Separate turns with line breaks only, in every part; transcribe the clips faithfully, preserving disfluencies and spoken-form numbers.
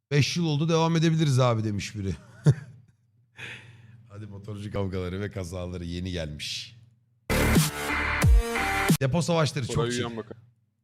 beş yıl oldu, devam edebiliriz abi demiş biri. Hadi motorcu kavgaları ve kazaları yeni gelmiş. Depo savaşları çok
Orayı
şey.
yan bakalım.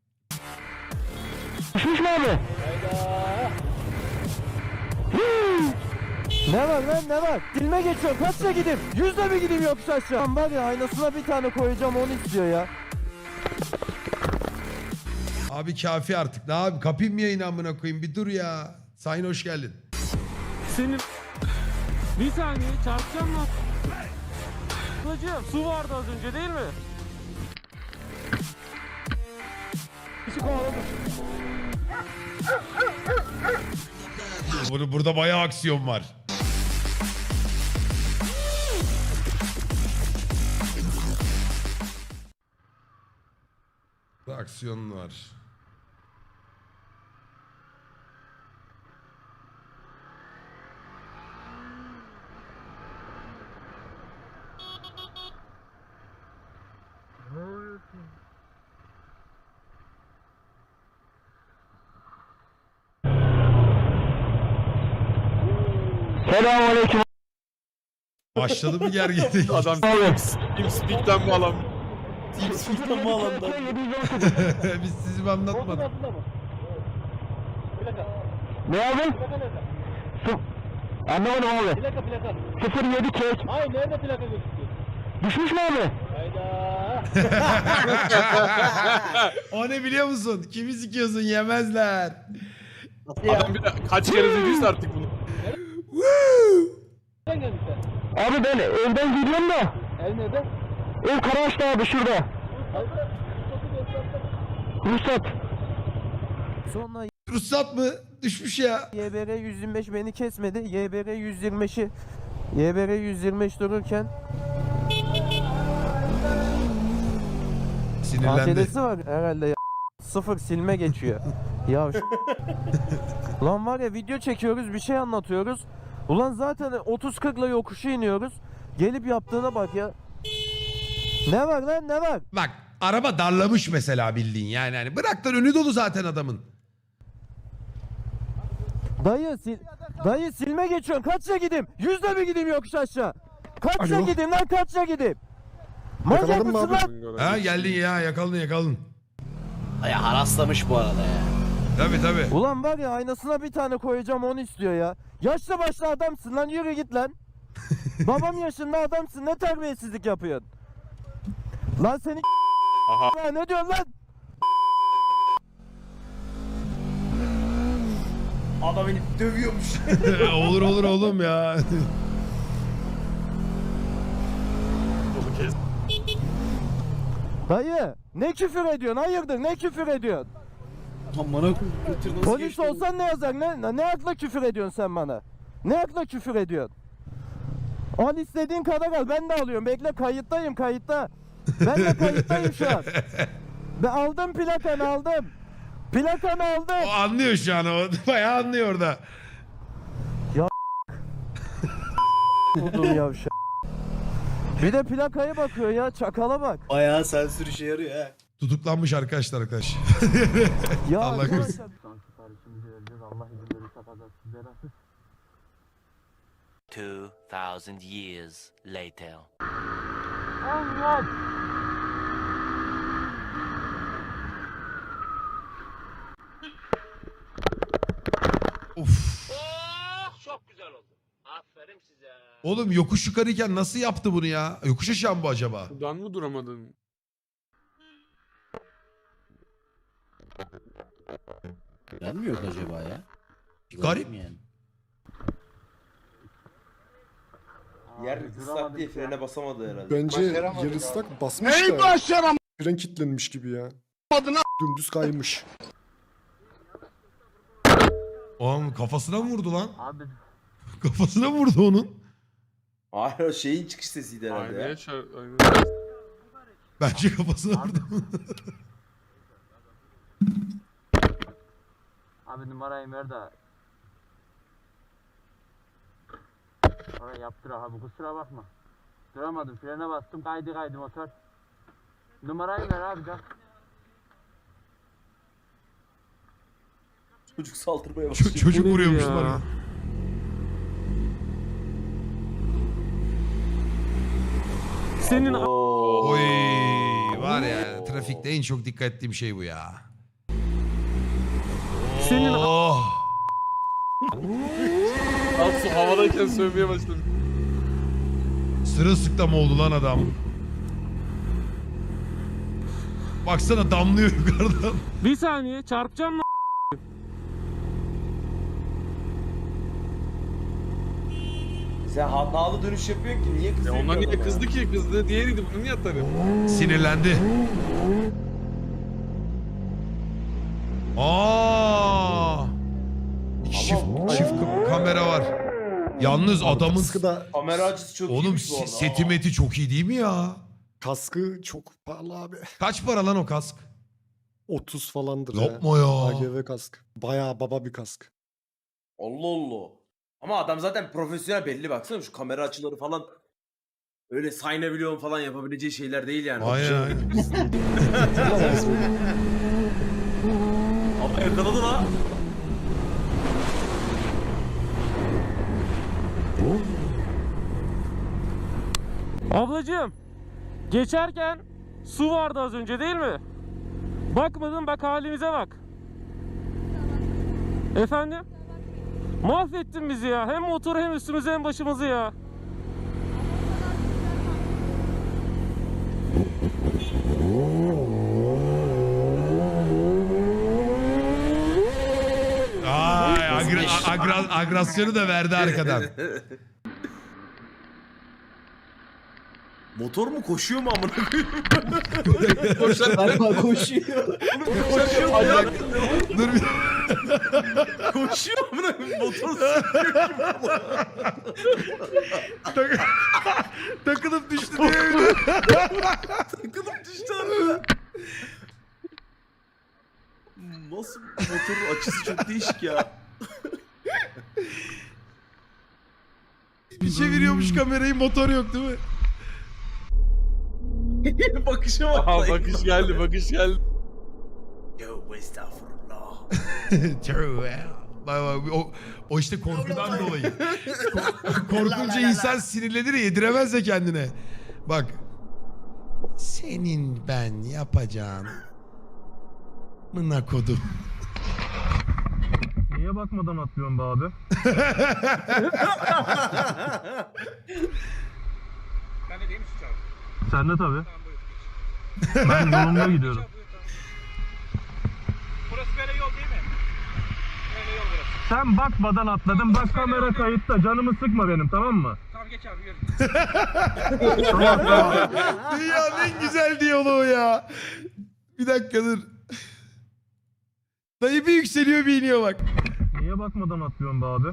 Düşmüş mü abi? Ne var lan ne var? Dilme geçiyorum, kaçla gideyim? Yüzle mi gideyim yokuş aşağı? Lan var ya, aynasına bir tane koyacağım, onu istiyor ya.
Abi kafi artık. Ne abi, kapayım mı yayını amına koyayım, bir dur ya. Sayın hoş geldin.
Senin... Bir saniye çarpacağım lan. Hocam su vardı az önce değil mi? Bizi kovaladı.
Burada, burada bayağı aksiyon var. Burada aksiyon var.
Selamünaleyküm.
Başladı mı gerginlik?
Adam TeamSpeak'ten mi alan?
TeamSpeak'ten mi alandan?
Biz sizi mi anlatmadık?
Ne abi? Su... Anlamadım abi.
Plaka plaka.
sıfır yedi kek.
Hayır nerede plaka gözüküyor?
Düşmüş mü abi?
Hayda.
O ne biliyor musun? Kimi sikiyorsun, yemezler.
Adam bir de kaç kere dediyse artık bunu.
Nereden geldin sen?
Abi ben evden gidiyorum da.
Ev nerede?
Ev Karaağaç'ta abi, şurada.
Hayır.
Ruhsat. Sonra
Ruhsat mı? Düşmüş ya.
Y B R yüz yirmi beş beni kesmedi. Y B R yüz yirmi beşi Y B R yüz yirmi beş dururken
Sinirlendi.
A T D'si var herhalde ya. Sıfır silme geçiyor. Ya ş- Lan var ya, video çekiyoruz, bir şey anlatıyoruz. Ulan zaten otuz kırkla yokuşu iniyoruz. Gelip yaptığına bak ya. Ne var lan, ne var?
Bak araba darlamış mesela, bildiğin yani. yani bırak lan, önü dolu zaten adamın.
Dayı sil Dayı silme geçiyorsun. Kaçça gideyim? Yüzle mi gideyim yokuş aşağı? Kaçça
Alo.
gideyim lan, kaçça gideyim? Manyak
Yakaladın mı
mısın
abi?
lan?
Ha geldin ya, yakaladın yakaladın.
Ya haraslamış bu arada ya.
Tabii tabii.
Ulan var ya, aynasına bir tane koyacağım, onu istiyor ya. Yaşlı başlı adamsın lan, yürü git lan. Babam yaşında adamsın, ne terbiyesizlik yapıyorsun? Lan seni
Aha.
ya, ne diyorsun lan?
Adam beni dövüyormuş.
olur olur oğlum ya.
Bunu kes.
Dayı ne küfür ediyorsun, hayırdır, ne küfür ediyorsun?
Amına koyayım, götür nasıl
Polis
geçti bu?
olsan ne yazar, ne, ne akla küfür ediyorsun sen bana? Ne akla küfür ediyorsun? Al istediğin kadar al, ben de alıyorum, bekle, kayıttayım, kayıtta. Ben de kayıttayım şu an. Ben aldım plakanı, aldım. Plakanı aldım.
O anlıyor şu an, o bayağı anlıyor orada.
Buldum yavşak. Bir de plakaya bakıyor ya, çakala bak.
Bayağı sensör işe yarıyor ha.
Tutuklanmış arkadaşlar arkadaş.
Ya
Allah
arkadaşlar-
korusun.
Son siparişimizi vereceğiz, Allah izin verirse kazasız belasız.
Two thousand years later.
Allah!
Of.
Çok güzel oldu. Aferin size.
Oğlum yokuş yukarıyken nasıl yaptı bunu ya? Yokuş aşağı mı bu acaba?
Buradan mı duramadın?
Ben mi yok acaba ya?
Garip.
Yani.
Yer ıslak diye frene basamadı herhalde.
Bence yer ıslak basmış da. Fren kilitlenmiş gibi ya. Dümdüz kaymış.
Oğlum kafasına mı vurdu lan?
Abi
Kafasına mı vurdu onun?
Hayır o şeyin çıkış sesiydi herhalde
Aynaya
ya.
çar... Aynaya...
Bence kafasına vurdu.
Abi numarayı ver de. Oraya yaptır abi, kusura bakma. Duramadım, frene bastım, kaydı kaydı motor. Numarayı ver abi, gel.
Çocuk saldırmaya
Ç-
başlıyor.
çocuk
Bu nedir
vuruyormuş
ya?
bana.
Senin
Oo.
Oy var ya trafikte en çok dikkat ettiğim şey bu ya.
Senin
Oh.
Nasıl havadayken sövmeye başladım.
Sırılsıklam oldu lan adam. Baksana damlıyor yukarıdan.
bir saniye çarpacağım lan.
Sen hatalı dönüş yapıyorsun ki niye
Ya
kızıyorsun?
onlar niye
adama?
kızdı ki? Kızdı diğeriydi. Bunu niye atarım?
Sinirlendi. Aa! Çift, çift ka- kamera var. Yalnız adamın
Kaskı da,
Kamera açısı çok
oğlum
iyiymiş bu
se-
arada.
seti
Aa.
meti çok iyi değil mi ya?
kaskı çok pahalı abi.
Kaç para lan o kask?
otuz falandır ya.
Yapma ya.
A G V kask. Bayağı baba bir kask.
Allah Allah. Ama adam zaten profesyonel belli baksana şu kamera açıları falan. Öyle sayınabiliyorum falan yapabileceği şeyler değil yani.
Aynen aynen.
Ama yakaladı la.
Ablacığım geçerken su vardı az önce değil mi? Bakmadın bak halimize bak. Efendim? Mahvettin bizi ya. Hem motoru hem üstümüzü hem başımızı ya.
Ay, agra- agra- agresyonu da verdi arkadan.
Motor mu koşuyor mu amına koyayım?
Galiba koşuyor.
Koşuyor ayak.
Dur bir...
Koşuyor amına koyayım. Motor sürüyor gibi.
Tak- Takılıp düştü diye öyle.
Takılıp düştü harbiden. Nasıl motorun açısı çok değişik ya.
Bir çeviriyormuş kamerayı, motor yok değil mi?
Bakışa bak.
Aha
lan.
bakış geldi bakış geldi.
Yo estağfurullah.
True ya. Bak bak, o, o işte korkudan dolayı. Ko- korkunca insan sinirlenir ya, yediremez de kendine. Bak. Senin ben yapacağın. Mına kodum.
Niye bakmadan atlıyorsun be abi?
Ben de değil mi şu çağrı?
Sen de tabii.
Tamam buyur.
Ben yolumda gidiyorum.
Burası böyle yol değil mi? Böyle yol burası.
Sen bakmadan atladın. Bak kamera kayıtta. Canımı sıkma benim, tamam mı?
Tamam geç abi yürü.
Dünyanın en güzel diyaloğu ya. Bir dakika dur. Dayı bir yükseliyor bir iniyor bak.
Niye bakmadan atlıyorsun be abi?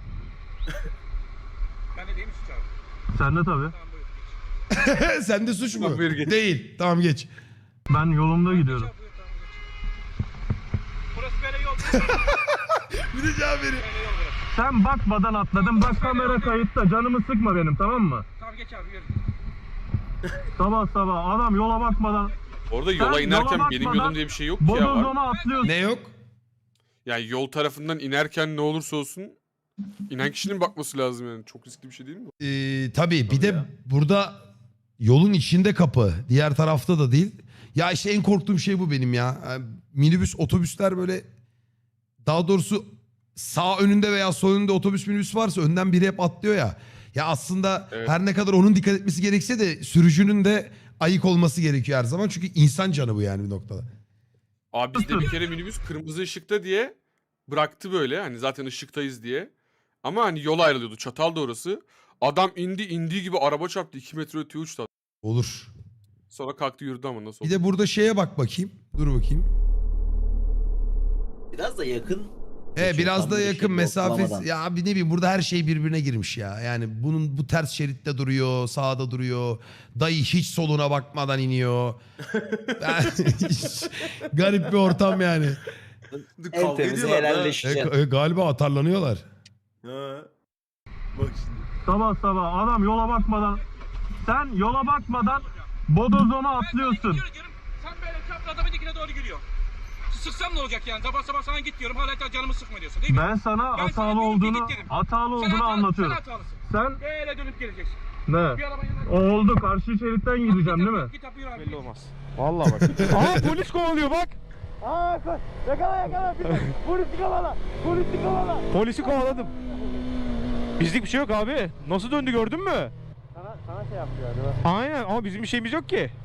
Ben de değil mi şu çağrı?
Sen de tabii.
Tamam buyur geç.
Sende suç mu?
Tamam, buyur geç.
Değil. Tamam geç.
Ben yolumda gidiyorum.
Geç abi, buyur, tamam geç. Burası böyle yol değil mi?
Bir de cevap verin.
Böyle yol burası.
Sen bakmadan atladın. Bak kamera kayıtta. Canımı sıkma benim, tamam mı?
Tamam geç abi yürü.
Sabah sabah adam yola bakmadan
Orada yola
Sen
inerken
yola
benim
bakmadan
yolum diye bir şey yok ki ya var.
bodozlama atlıyorsun.
Ne yok?
Yani yol tarafından inerken ne olursa olsun inen kişinin bakması lazım yani. Çok riskli bir şey değil mi? bu?
Ee, tabii bir de burada yolun içinde kapı. Diğer tarafta da değil. Ya işte en korktuğum şey bu benim ya. Yani minibüs, otobüsler böyle, daha doğrusu sağ önünde veya sol önünde otobüs minibüs varsa önden biri hep atlıyor ya. Ya aslında
Evet.
her ne kadar onun dikkat etmesi gerekse de sürücünün de ayık olması gerekiyor her zaman. Çünkü insan canı bu yani bir noktada.
Abi bizde bir kere minibüs kırmızı ışıkta diye bıraktı böyle. Hani zaten ışıktayız diye. Ama hani yol ayrılıyordu. Çatal da orası. Adam indi indiği gibi araba çarptı. iki metre öteye uçtu.
Olur.
Sonra kalktı yürüdü ama nasıl
Bir
oldu?
de burada şeye bak bakayım. Dur bakayım.
Biraz da yakın.
E
Geçiyor,
biraz
tam
da
böyle
yakın
şey,
mesafesi.
ortalamadan.
Ya abi ne bileyim, burada her şey birbirine girmiş ya. Yani bunun bu ters şeritte duruyor, sağda duruyor. Dayı hiç soluna bakmadan iniyor. Yani hiç- garip bir ortam yani.
En
Kavga
temizi
ediyorlar da.
E,
helalleşeceksin.
e, galiba atarlanıyorlar.
Ha. Bak şimdi.
Sabah sabah adam yola bakmadan sen yola bakmadan bodozlama atlıyorsun.
Yürü diyorum. Sen böyle çapraz adamın dikine doğru giriyor. sıksam ne olacak yani? Sabah sabah sana git diyorum. Hala canımı sıkma diyorsun değil mi?
Ben sana
Ben sana
hatalı
diyorum ki
olduğunu
git dedim.
hatalı
Sen
olduğunu
hatalı-
anlatıyorum.
Sen hatalısın.
Sen
Böyle dönüp geleceksin.
ne?
Bir araba yanına.
Oldu, karşı şeritten gideceğim değil mi?
Git abi yürü abi.
Belli olmaz. Vallahi bak. Aa polis kovalıyor bak.
Aa koy. Yakala yakala. Polisi kovala. Polisi kovala.
Polisi kovaladım. Bizlik bir şey yok abi. Nasıl döndü gördün mü?
Sana, sana şey yapıyor galiba.
Aynen ama bizim bir şeyimiz yok ki.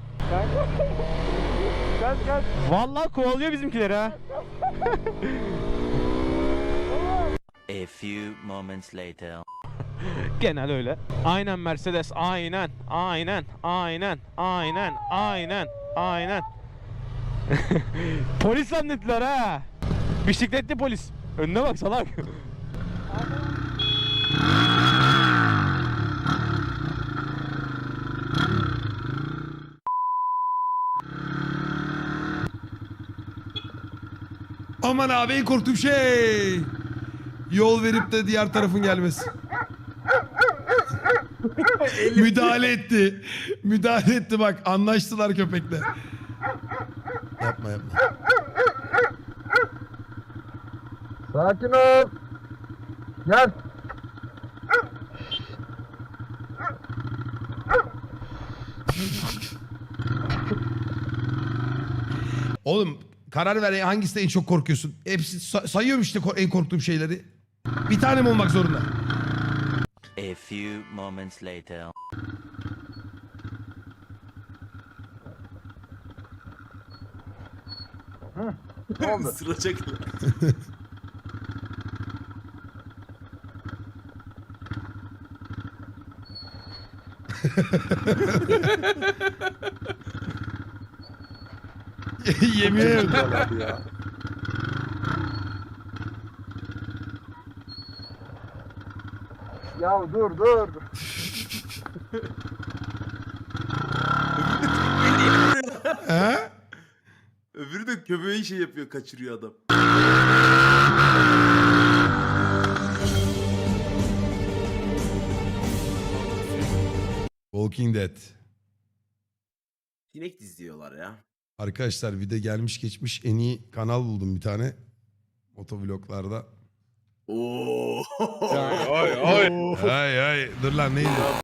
Gel gel.
Vallahi kovalıyor bizimkileri ha.
A few moments later.
Genel öyle. Aynen Mercedes. Aynen. Aynen. Aynen. Aynen. Aynen. Aynen. Polis zannettiler ha. Bisikletli polis. Önüne bak salak.
Aman abi en korktuğum şey. Yol verip de diğer tarafın gelmesi. Müdahale etti. Müdahale etti bak. Anlaştılar köpekle. Yapma yapma.
Sakin ol. Gel.
Oğlum karar ver ya, hangisinde en çok korkuyorsun? Hepsi sa- sayıyorum işte ko- en korktuğum şeyleri. Bir tane mi olmak zorunda?
A few moments later.
Sıracak.
Yemin ederim.
Abi ya.
Ya dur dur.
He?
Öbürü de köpeği şey yapıyor, kaçırıyor adam.
Walking Dead.
Sinek diziyorlar ya.
Arkadaşlar bir de gelmiş geçmiş en iyi kanal buldum bir tane. Motovloglarda.
Oo.
Ay ay ay.
Ay ay dur lan neydi?